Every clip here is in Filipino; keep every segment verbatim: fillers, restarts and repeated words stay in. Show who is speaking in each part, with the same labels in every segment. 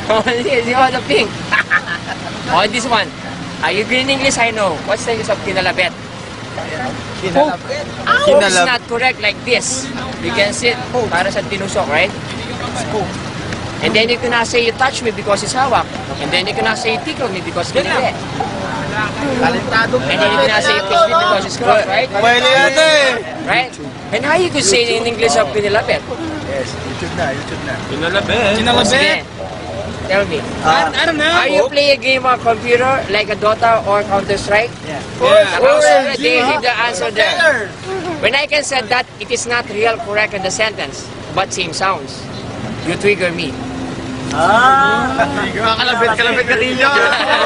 Speaker 1: You want the pink? Oh, this one. Are you green English? I know. What's the use of kinalabet?
Speaker 2: Kinalabit.
Speaker 1: Hook is not correct like this. You can sit para sa tinusok, right? And then you cannot say you touch me because it's hawak. And then you cannot say you tickle me because kinalabet.
Speaker 2: Talentado.
Speaker 1: And then you cannot say you kiss me because it's cross, right?
Speaker 2: Pwede yata eh.
Speaker 1: Right? And how you could say in English of kinalabet?
Speaker 2: Yes, YouTube na, YouTube na.
Speaker 3: Kinalabit.
Speaker 1: Oh, sige. Tell me.
Speaker 2: Ah,
Speaker 3: I don't know.
Speaker 1: Are you play a game on computer like a Dota or Counter-Strike?
Speaker 2: yeah.
Speaker 3: Yeah.
Speaker 1: Oh, they did the answer there. When I can say that it is not real correct in the sentence, but same sounds, you trigger me.
Speaker 2: Ah! Kalabit, kalabit ka rin yun.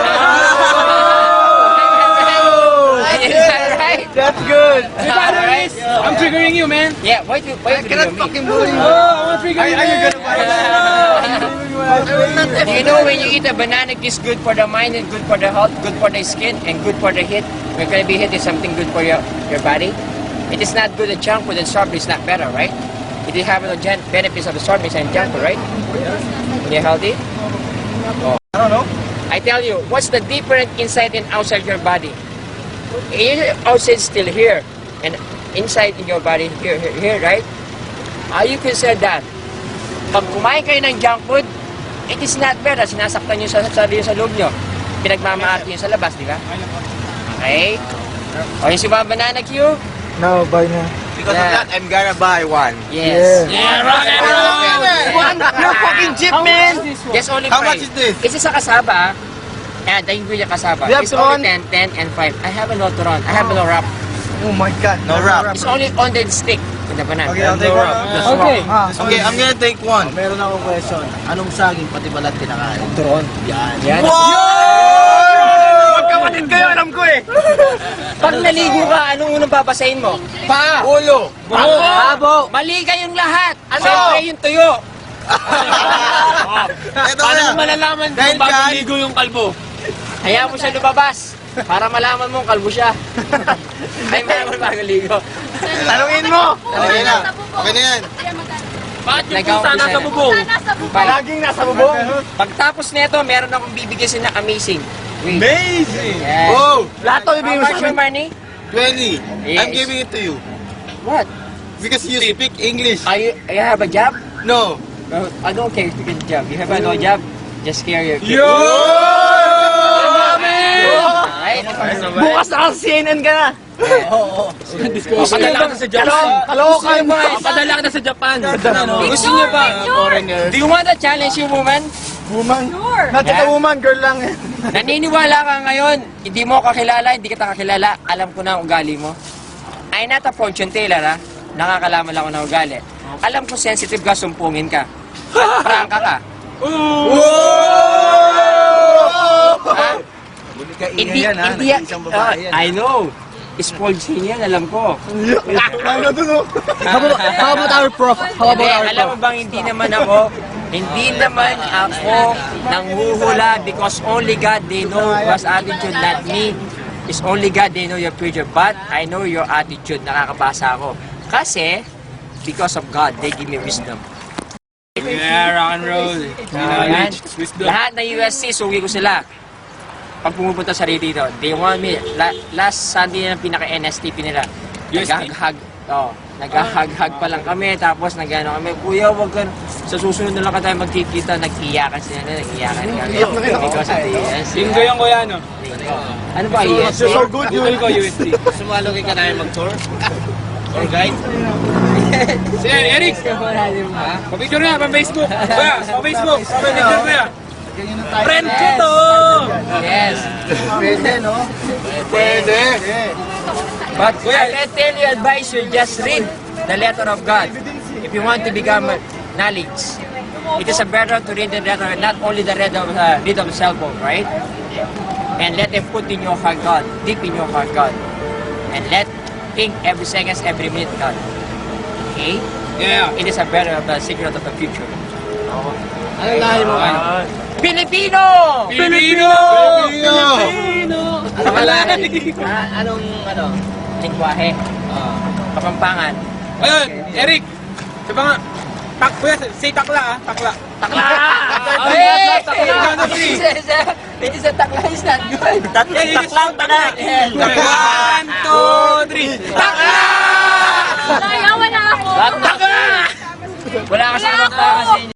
Speaker 1: Is that right?
Speaker 2: That's good.
Speaker 1: Alright.
Speaker 3: I'm triggering you, man.
Speaker 1: Yeah, why do why
Speaker 2: I
Speaker 1: you
Speaker 2: cannot
Speaker 1: trigger me?
Speaker 2: fucking bully you.
Speaker 3: Oh, I want to trigger
Speaker 2: Are,
Speaker 3: you.
Speaker 2: are you gonna buy that?
Speaker 1: Do you know when you eat a banana, it is good for the mind and good for the health, good for the skin, and good for the heat? When gonna be hit is something good for your, your body. It is not good at junk food and soft is not better, right? It is having the gen- benefits of the soft and junk food, right? When you're healthy.
Speaker 2: I don't know.
Speaker 1: I tell you, what's the difference inside and outside your body? Your outside still here, and inside in your body here, here, here, right? How you can say that? Pag kumain kayo ng junk food, it is not better. Sinasaktan nyo sa sarili sa loob nyo. Pinagmamaarte nyo sa labas, di ba? Okay? O yung si Mama Banana Q?
Speaker 2: No, buy na. Because
Speaker 1: Yeah.
Speaker 2: of that, I'm gonna buy one.
Speaker 1: Yes.
Speaker 3: Yeah, rock and roll.
Speaker 2: One? You're fucking cheap, man!
Speaker 1: Just only
Speaker 2: How
Speaker 1: five.
Speaker 2: much is this?
Speaker 1: Isa sa kasaba, eh, the ingredient kasaba.
Speaker 2: You have
Speaker 1: It's
Speaker 2: to
Speaker 1: only
Speaker 2: run?
Speaker 1: ten, ten, and five. I have a no to run. I have a no wrap.
Speaker 2: Oh my god. No wrap.
Speaker 1: It's only on the stick in the banana.
Speaker 2: Okay, I'll take one.
Speaker 3: Okay.
Speaker 2: Okay, I'm gonna take one.
Speaker 4: Meron akong question. Anong saging pati balat kinakain? Turon. Yan.
Speaker 1: Yan.
Speaker 2: Magkapatid kayo, alam ko eh.
Speaker 1: Pag naligo ka, anong unang babasahin mo? Pa!
Speaker 2: Ulo.
Speaker 1: Babo! Mali kayong lahat! Ano? Siyempre yung tuyo!
Speaker 2: Ito
Speaker 3: Paano
Speaker 2: na.
Speaker 3: mo malalaman
Speaker 2: Dahil
Speaker 3: kung bago
Speaker 2: dyan-
Speaker 3: ligo yung kalbo?
Speaker 1: Hayaan mo siya lumabas para malaman mong kalbo siya. Ay, malaman bago ligo.
Speaker 2: Tanungin mo. Okay na. Okay na yan.
Speaker 3: Bakit yung
Speaker 1: Nagawa
Speaker 3: pusa
Speaker 1: ko
Speaker 3: nasa
Speaker 1: sa'yo.
Speaker 3: bubong?
Speaker 1: Bye.
Speaker 2: Laging nasa bubong.
Speaker 1: Pagtapos nito, meron akong bibigyan sila na amazing. Wait.
Speaker 2: Amazing.
Speaker 1: Yes.
Speaker 2: Oh, lahat to
Speaker 1: How
Speaker 2: ibigay mo
Speaker 1: much
Speaker 2: sa
Speaker 1: your
Speaker 2: akin.
Speaker 1: money?
Speaker 2: twenty.
Speaker 1: Yes.
Speaker 2: I'm giving it to you.
Speaker 1: What?
Speaker 2: Because you speak English.
Speaker 1: Are you, you have a job?
Speaker 2: No.
Speaker 1: No, I don't care if you get a job. You have a no job, just carry your kid.
Speaker 2: Yo!
Speaker 1: Alright?
Speaker 2: Bukas na ang C N N ka na.
Speaker 3: Papadala ka na sa Japan.
Speaker 2: Kalokan mo.
Speaker 3: Papadala ka na sa Japan.
Speaker 1: Gusto niyo ba? Do you want to challenge you, woman?
Speaker 2: Woman. Not just a
Speaker 1: Yeah.
Speaker 2: woman, girl lang yan.
Speaker 1: Naniniwala ka ngayon, hindi mo ako kakilala, hindi kita kakilala, alam ko na ang ugali mo. I'm not a fortune teller, ha? Nakakalaman lang ako ng ugali. Alam ko sensitive ka, sumpungin ka. At prangka ka. Ha? Hindi, hindi yan. Ah, I know. Spoiled scene yan, alam ko.
Speaker 2: Ano to, no?
Speaker 4: How about, how about our prof? How about
Speaker 1: Hindi,
Speaker 4: our
Speaker 1: alam mo
Speaker 4: prof?
Speaker 1: bang hindi naman ako, hindi naman ako nanghuhula because only God, they know what's attitude, not me. It's only God, they know your future. But I know your attitude, nakakabasa ako. Kasi, because of God, they give me wisdom.
Speaker 3: Yeah, rock and roll.
Speaker 1: Ayan.
Speaker 3: Knowledge, wisdom.
Speaker 1: Lahat ng U S C, suwi ko sila. Pag pumupunta sa dito, they want me. La, last Sunday na pinaka-N S T P nila.
Speaker 3: U S T?
Speaker 1: Nag-hug, oh, nag-hug-hug pa lang kami, tapos nag-ano kami, kuya, wag ka, sa susunod na lang ka tayo magkikita, nag-iyakan sila na, nag-iyakan kami. Because of the U S C.
Speaker 3: Linggo yung kuya, no?
Speaker 1: Ano ba, U S C?
Speaker 2: So good, you
Speaker 3: Google ko, U S T.
Speaker 4: Sumalugin ka namin mag-tour? Tour guide?
Speaker 3: Si Eric! Pa-picture na, pa-Facebook. Kuya, pa-Facebook. Pa-picture kuya. Friend ko to!
Speaker 1: Yes.
Speaker 2: Pwede, no? Pwede.
Speaker 1: But I can tell you, advise you, just read the letter of God. If you want to become knowledge, it is a better to read the letter, not only the read of, uh, read of the cell phone, right? And let them put in your heart God, deep in your heart God. And let think every seconds, every minute God. Okay?
Speaker 3: Yeah.
Speaker 1: It is a better of the secret of the future.
Speaker 4: Ano lahi mo?
Speaker 1: Uh, Filipino!
Speaker 3: Pilipino!
Speaker 2: Pilipino!
Speaker 1: Ang pangalan,
Speaker 4: Ah, anong, ano?
Speaker 1: lingwahe, kapampangan.
Speaker 3: Ayun, Eric! Sabi nga, tak, kuya, say takla ah, takla.
Speaker 1: Takla! Hey!
Speaker 3: three.
Speaker 1: It is a takla is not good.
Speaker 2: Tatlong taklang tanak.
Speaker 3: One, two, three. Takla!
Speaker 5: Ayaw, wala ako.
Speaker 1: Wala ka sa mga